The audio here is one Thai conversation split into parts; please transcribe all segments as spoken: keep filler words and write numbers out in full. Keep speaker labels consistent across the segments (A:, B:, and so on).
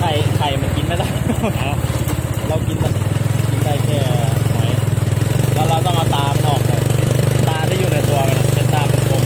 A: ข่ไข่มันกินไม่ได้ เรากินมันกินได้แค่หอยแล้วเราต้องเอาตามันออกเลยตาที่อยู่ในตัวมันเป็นตาเป็นกลม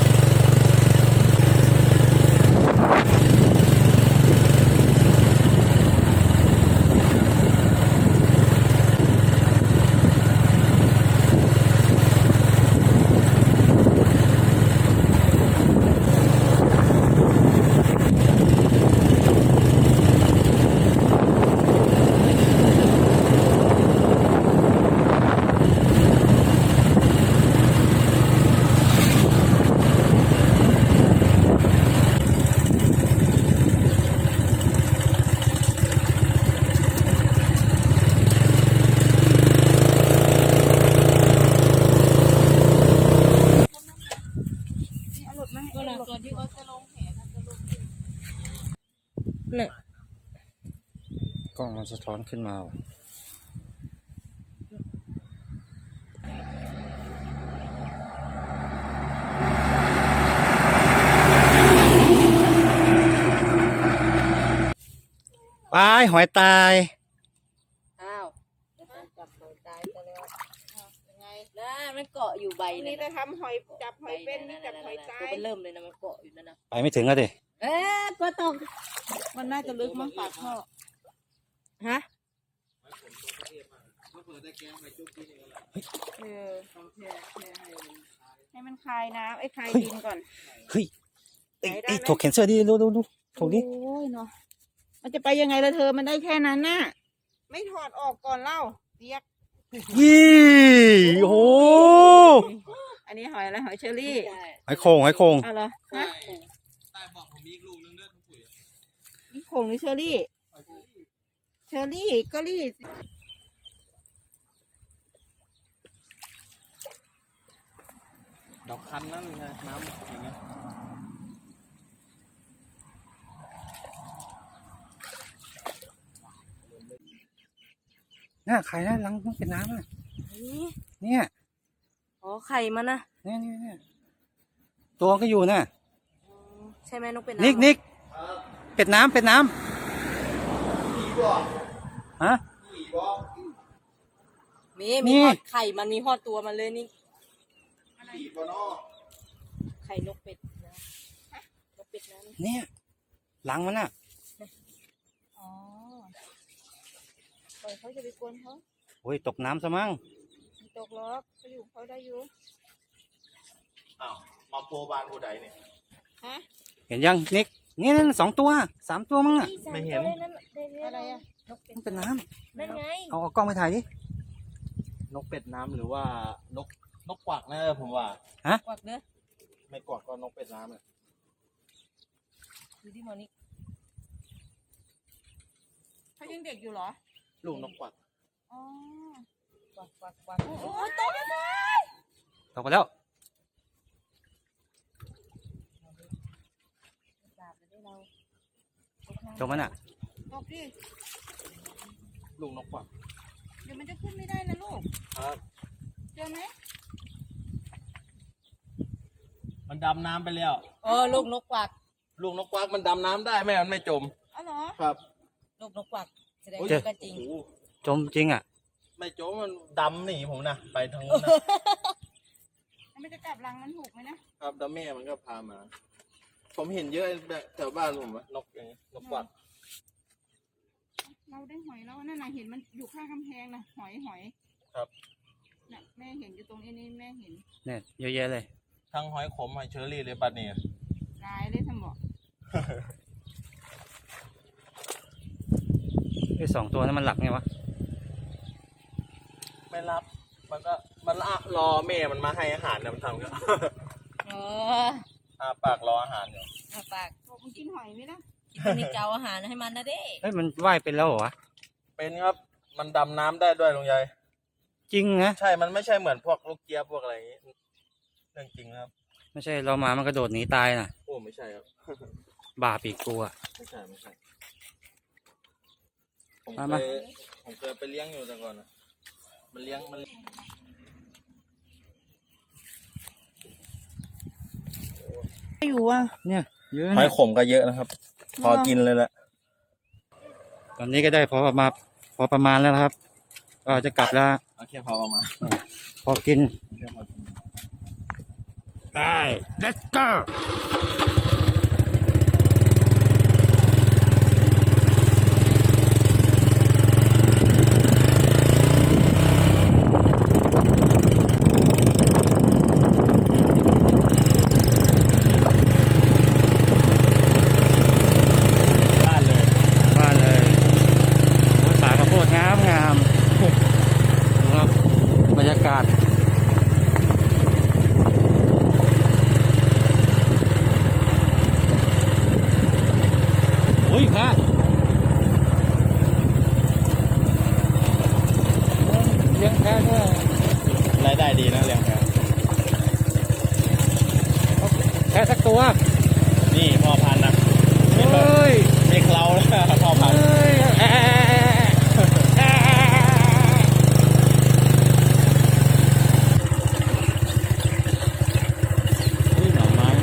B: เนี่ย
C: กล้องมันสะท้อนขึ้นมาปลายหอยตาย
B: อ้าวจับหอยตายซะแล้วยังไงนะมันเกาะอยู่ใบ
D: นี่จะทำหอยจับหอยเป็นนี่จับหอยตาย
B: ตัวมันเริ่มเลยนะมันเกาะอยู่นั่นนะ
C: ไปไม่ถึงแล้วดิ
B: เอ๊ะก็ต้อง
D: มันน่าจะลึกมากปากท่อ
B: ฮะ
D: เออให้มันคลายน้ำไอ้คลายดินก่อน
C: เฮ้ยไอ้
D: ไหนได้
C: ไอ้
D: ไหม
C: ถกแขนเสื้อดิดูดูดูถกดิ
D: โอ้ยเนาะมันจะไปยังไงละเธอมันได้แค่นั้นน่ะไม่ถอดออกก่อนเล่าเรียก
C: ยี่โอ้โห
D: อันนี้หอยอะไรหอยเชอรี่
C: หอยโข่งหอยโข่ง
D: เอาเหรอฮะ
A: ใต้บอกผมมีอีกลูกนึงเลือดทุกปุ๋ย
D: นี่ผงหรือเชอรี่เชอรี่ก็รี่
A: ดอกคันนั่นไงน้ำอย่างเงี้ย
C: น่าไข่น่าลังต้องเป็นน้ำอ่ะ
B: นี่
C: เนี่ย
B: อ๋อไข่มันนะ
C: เนี่ยเนี่ยเนี่ยตัวก็อยู่น่ะ
B: ใช่ไหมนกเป็น
C: นิกนิกเป็ดน้ำเป็ดน้ำฮะ
B: มี
C: นี่
B: มีฮอดไข่มันมีฮอดตัวมันเลยนี่ไข่นกเป็ดนะนกเป็ดนะ
C: เนี่ยหลังมันน่ะ
D: อ๋อปล่อยเขาจะไปกวนเขา
C: โอ้ยตกน้ำซะมั้ง
D: ไม่ตกล็อกเขาอยู่เขาได้อยู่
A: อ้าวมาโพบานผู้ใดเนี่ย
D: ฮะ
C: เห็นยังนิกนี่นั่นสองตัวสามตัวมั้งอ่ะ
A: ไม่เห็น
D: อะไรอะ
C: มันเป็นน้
B: นั่นไง
C: ำเอาเอากล้องไปถ่ายดิ
A: นกเป็ดน้ำหรือว่านกนกกวักนะผมว่า
B: กวักเด้อ
A: ไม่กวักก็นกเป็ดน้ำเนี่ย
B: ดูที่มอนี่
D: เขายังเด็กอยู่เหรอ
A: ลูกนกกวัก
D: อ๋อก
B: วักกวักกวักโอ้ยตกแล้ว
C: ตกไปแล้ว
B: จับเลยเรา
C: ตกมันอ่ะ
D: ตกดิ
A: ลูกนกกวัก
D: เดี๋ยวมันจะขึ้นไม่ได้นะลูก
A: ครับ
D: เจอไหม
A: มันดำน้ำไปแล้ว
B: เออลูกนกกวัก
A: ลูกนกกวักมันดำน้ำได้แม่มันไม่จม
D: อ๋อเหรอ
A: ครับ
B: ลูกนกกวักแสดง
A: โอ้ย
B: ว่าก็จริง
A: โอ้โห
C: จมจริงอ่ะ
A: ไม่จมมันดำหนีผมนะไปทางนู้นนะ
D: แล้วมันจะจับรังมันถูกไหมนะครับ
A: แล้วแม่มันก็พามา ผมเห็นเยอะแบบแถวบ้านผมอะนกอย่างนี้นกกวัก
D: เราได้หอยแล้วนั่นน่ะเห็นมันอยู่ข้างกำแพงนะหอยหอย
A: ครับ
D: น่ะแม่เห็นอยู่ตรงนี้นี่แม่เห็น
C: เนี่ยเยอะแยะเลย
A: ทั้งหอยขมหอยเชอรี่เลยปัดเนี่ย
D: ลายเลยสมบอก
C: ไอ้สองตัวนั้นมันหลับไงวะ
A: ไม่รับ มันก็มันละรอแม่มันมาให้อาหารนะมันทำก็
B: เออ
A: อาปากรออาหารอยู่
B: มาปาก
D: บอกมันกินหอยไหมล่ะ
B: กินนี่เจ้าอาหารให้มันนะเด้
C: เฮ้ยมันว่ายเป็นแล้วเหรอวะ
A: เป็นครับ มันดำน้ำได้ด้วยลุงยาย
C: จริงนะ
A: ใช่ มันไม่ใช่เหมือนพวกลูกเจี๊ยบพวกอะไรอย่างงี้เรื่องจริงครับ
C: ไม่ใช่เรามามันกระโดดหนีตายน่ะ
A: โอ้ไม่ใช่ครับ
C: บาปอีกกูอ่ะ
A: ไม่ใช่ไม่ใช่ผม
C: มา
A: เค
C: มา
A: ยผมเคยไปเลี้ยงอยู่แต่ก่อนนะมันเลี้ยงมัน
D: อยู่อ่ะ
C: เนี่ยเยอะ
A: หอย
C: นะ
A: ขมก็เยอะนะครับ พอกินเลยแหละ
C: ตอนนี้ก็ได้พอประมาณพอประมาณแล้วนะครับ ก็จะกลับแล้ว
A: เอาแค่พอประมาณ
C: พอกิน
A: แค่พอกิน
C: ได้ let's go
A: บ้านเลย
C: บ้านเลยโอ้ยสายข้าวโพดงามงามดูครับบรรยากาศโอ้ยพระเลี้ยงแพะด้วย
A: รายได้ดีนะเลี้ยงแพะ
C: แพะสักตัว
A: นี่พ่อพันธุ์นะ
C: เฮ้ย
A: ไม่เคล้าแล้วพ่อพันธุ์
C: เฮ้ยแอะแอะแอะแอะนี่หน่อไม้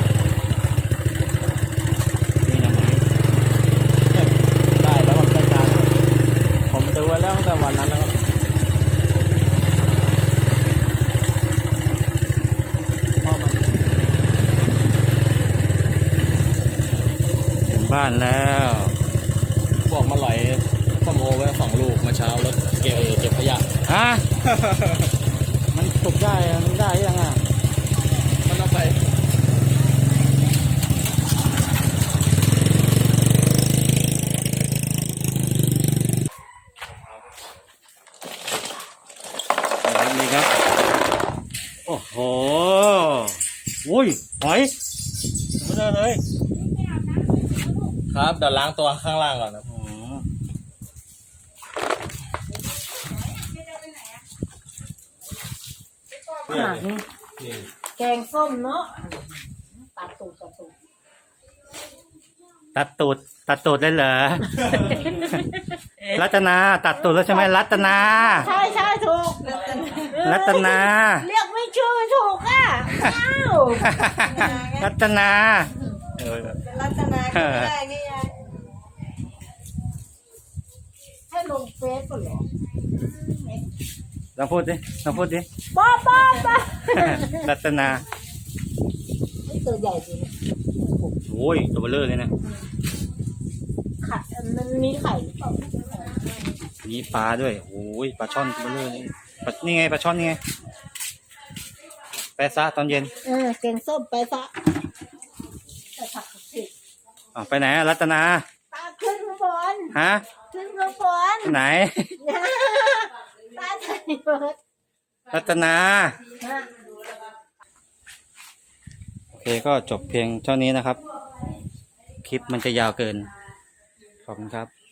C: นี่หน่อไม้
A: ได้แล้วมันจัดการผมซื้อไว้แล้วตั้งแต่วันนั้นแล้วครับพ่อมัน
C: ถึงบ้านแล้ว
A: บอกมาหลอยส้มโอไว้สองลูกเมื่อเช้าแล้วเก็บเก็บขยะ
C: ฮะ มันสุกได้อะมันได้ยังอ่ะ
A: มันเอาไป
C: นี่ครับ โอ้โหอุ้ยหอยไม่ได้เลย
A: ครับเดี๋ยวล้างตัวข้างล่างก่อนนะ
C: อ๋อ
B: ขนาดนี้
A: นี่
B: แกงส้มเนาะตัดตูดตัดตูด
C: ตัดตูด ตัดตูดเลยเหรอ รัตนา ตัดตูดแล้วใช่ไหมรัตนา
B: ใช่ใช่ถูก
C: รัตนา
B: เรียกไม่ชื่อถูกอ่ะอ้าว
C: รัตนาเออ
B: รัตนาก็ไม่ได้ไงยายให้ลงเฟซก่อนเหรอ
C: ลองพูดดิลองพูดดิ
B: ป้าป้าป้า
C: รัตนา
B: นี่ตัวใหญ่จริง
C: โอ้ยตัวเบลอเลยนะ
B: ไข่มันมีไข่หรือเปล่า
C: มีปลาด้วยโอ้ยปลาช่อนตัวเบลอเลยปลานี่ไงปลาช่อนนี่ไงแปะซะตอนเย็น
B: เออแกงส้มไปซะแต่ผักสิ
C: อ๋อไปไหนอะรัตนา
B: ตาขึ้นข้างบน
C: ฮะ
B: ขึ้นข้างบน
C: ไหน
B: ตาใส่เบิร์ด
C: รัตนา
B: นะ
C: โอเคก็จบเพียงเท่านี้นะครับ คลิปมันจะยาวเกิน ขอบคุณครับ